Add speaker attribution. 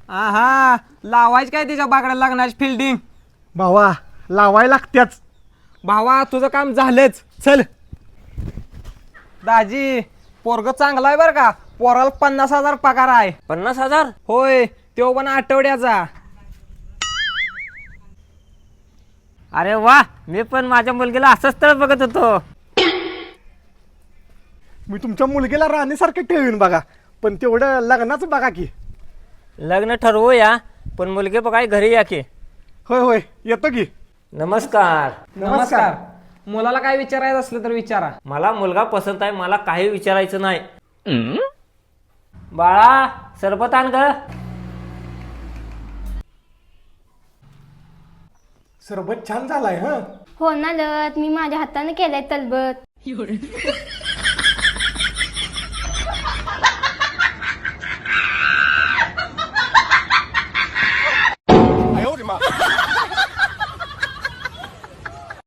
Speaker 1: हा लावायच काय तिच्या बागड्या लग्नाची फिल्डिंग.
Speaker 2: भावा लावाय लागत्याच.
Speaker 1: भावा तुझं काम झालंच. चल दाजी, पोरग चांगला आहे बरं का. पोराला 50,000 पगार आहे.
Speaker 3: 50,000?
Speaker 1: होय, तो पण आठवड्याचा.
Speaker 3: अरे वा, मी पण माझ्या मुलगीला असं स्थळ बघत होतो.
Speaker 2: मी तुमच्या मुलगीला राणीसारखं ठेवीन बघा, पण तेवढं लग्नाचं बघा की.
Speaker 3: लग्न ठरवूया, पण मुलगी बघाय घरी या की.
Speaker 2: होय होय येतो की.
Speaker 3: नमस्कार.
Speaker 1: नमस्कार. मुलाला काय विचारायचं असलं तर विचारा.
Speaker 3: मला मुलगा पसंत आहे, मला काही विचारायचं नाही. बाळा सरबत आण ग.
Speaker 2: सरबत छान झालाय.
Speaker 4: हो ना लत, मी माझ्या हाताने केलंय तलबत.